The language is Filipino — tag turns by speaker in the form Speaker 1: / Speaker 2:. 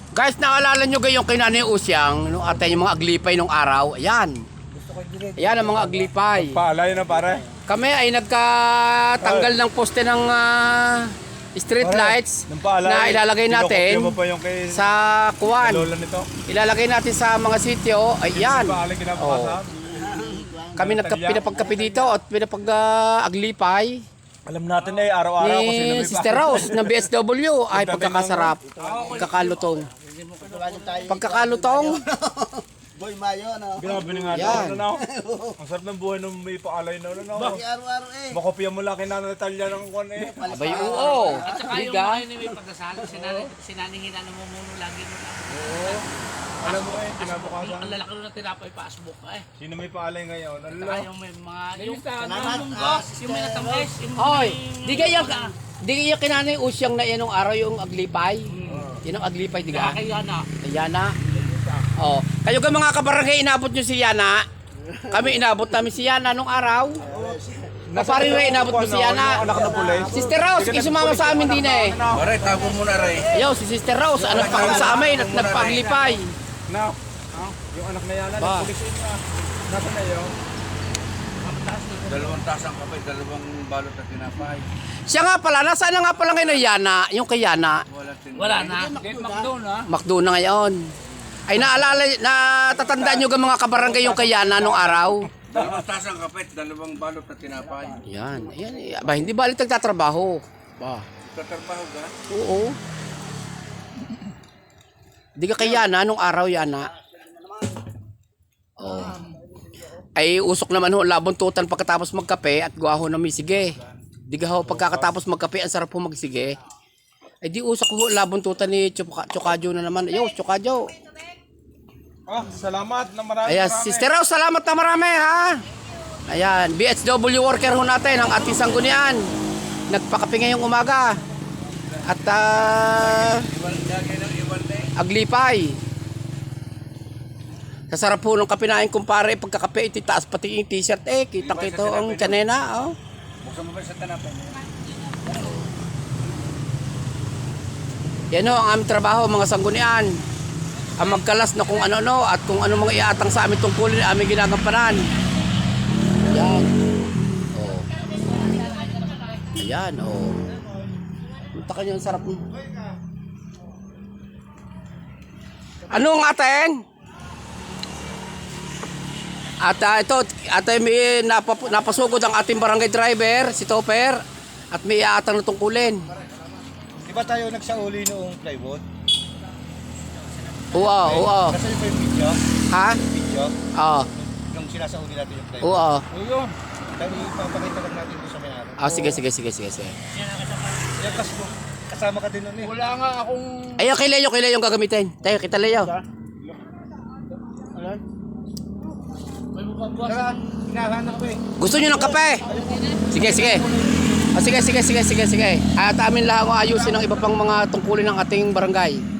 Speaker 1: Guys, naalala nyo yung kay Nanay Usyang, nung ate yung mga aglipay nung araw. Ayan. Ayan ang mga aglipay.
Speaker 2: Paalay na pare.
Speaker 1: Kami ay nagkatanggal ng poste ng street lights na ilalagay natin sa kuwan. Ilalagay natin sa mga sityo. Ayan. Oh. Kami pinapagkapi dito at pinapag-aglipay.
Speaker 2: Alam natin eh, araw-araw kasi
Speaker 1: Ni Sister Rose ng BSW ay pagkakasarap, pagkakalutong. Pagkakalutong.
Speaker 3: Boy Mayo, no?
Speaker 2: Grabe na nga
Speaker 1: Yan.
Speaker 2: no? Ang sarap ng buhay nung may paalay na no?
Speaker 3: Araw-araw eh.
Speaker 2: Makopya mo lang kay Nana Natalia ng kwan eh.
Speaker 1: Abay, oo.
Speaker 4: At saka yung
Speaker 1: Liga.
Speaker 4: mga yun may pagkasalo, sinanihin na namumuno lagi mo lang.
Speaker 2: Oo. Alam mo eh, kinabukasan.
Speaker 4: Ang lalaki nun na tinapay pasbook eh.
Speaker 2: Sino may paalay ngayon?
Speaker 4: Saka
Speaker 2: Allah.
Speaker 4: yung may mga, yung
Speaker 3: Salamat.
Speaker 4: yung may natamis.
Speaker 1: Hoy, di kayo kinanay Usyang na yan nung araw yung aglipay. Yan ang aglipay, di ka?
Speaker 4: Kaya na.
Speaker 1: Yana. Oh, kayo ka mga kabarangay, inabot nyo si Yana. Kami inabot namin si Yana nung araw. Paparin rin inabot mo si Yana.
Speaker 2: Anak na pulis.
Speaker 1: Sister Rose, sumama sa amin din eh.
Speaker 5: Aray, tago mo na rin.
Speaker 1: Ayaw, si Sister Rose, anak pa kami sa amin at nagpaglipay.
Speaker 2: Now, yung anak na yan,
Speaker 1: Ba?
Speaker 2: pulis na. Nasaan na yun?
Speaker 5: Dalawang tasang kape, dalawang balot na tinapay.
Speaker 1: Siya nga pala, nasaan na nga pala ngayon yung Yana, yung kay Yana.
Speaker 4: Wala na. McDo na.
Speaker 1: Makdo na ngayon. Ay naalala, natatandaan nyo ka mga kabarangay yung kay Yana nung araw.
Speaker 5: Dalawang tasang kape, dalawang balot na tinapay.
Speaker 1: Yan, yan. Ba, hindi balik nagtatrabaho. Ba.
Speaker 5: Tatrabaho ka?
Speaker 1: Oo. Di ka kay Yana nung araw, Yana. Oh. Ay usok naman ho, labuntutan pagkatapos magkape at guwaho na may sige. Di ka ho, pagkatapos magkape, ang sarap ho magsige. Ay di usok ho, labuntutan ni Chokadjo na naman. Yo, Chokadjo.
Speaker 2: Salamat na marami.
Speaker 1: Ayan, Sister Rose, salamat na marami ha. Ayan, BHW worker ho natin, ang ating sanggunian. Nagpakape ngayong umaga. At aglipay. Kasarap po nung kape namin kumpare, pagkakape, ititaas pati yung t-shirt eh. Kita-kita ang tsanena. Oh.
Speaker 5: Buksan mo ba sa tanapay?
Speaker 1: Yan ho, ang aming trabaho, mga sanggunian. Ang magkalas na kung ano-ano at kung ano mga iatang sa aming tungkulin, aming ginagampanan. Yan. Oh. Ayan, oh. Punta ka nyo, ang sarap. Anong ating? At ito, may napasugod ang ating barangay driver, si Topper. At may iatang na tungkulin.
Speaker 3: Di ba tayo nagsauli noong plywood?
Speaker 1: Oo, oo.
Speaker 3: Kasi yung video,
Speaker 1: Ha?
Speaker 3: video,
Speaker 1: Oo.
Speaker 3: yung sinasauli natin yung plywood.
Speaker 1: Oo.
Speaker 3: Oo. Tayo ipapakita lang natin doon sa may-ari.
Speaker 1: Ah, sige.
Speaker 3: Yan kasama ka din nun eh.
Speaker 4: Wala nga akong...
Speaker 1: Ayaw, kay Leo yung gagamitin. Tayo, kita Leo.
Speaker 4: May mababuwas.
Speaker 3: Saka, hinahanap ko eh.
Speaker 1: Gusto nyo ng kape? Sige. Ah, sige. At amin lang ayusin ang iba pang mga tungkulin ng ating barangay.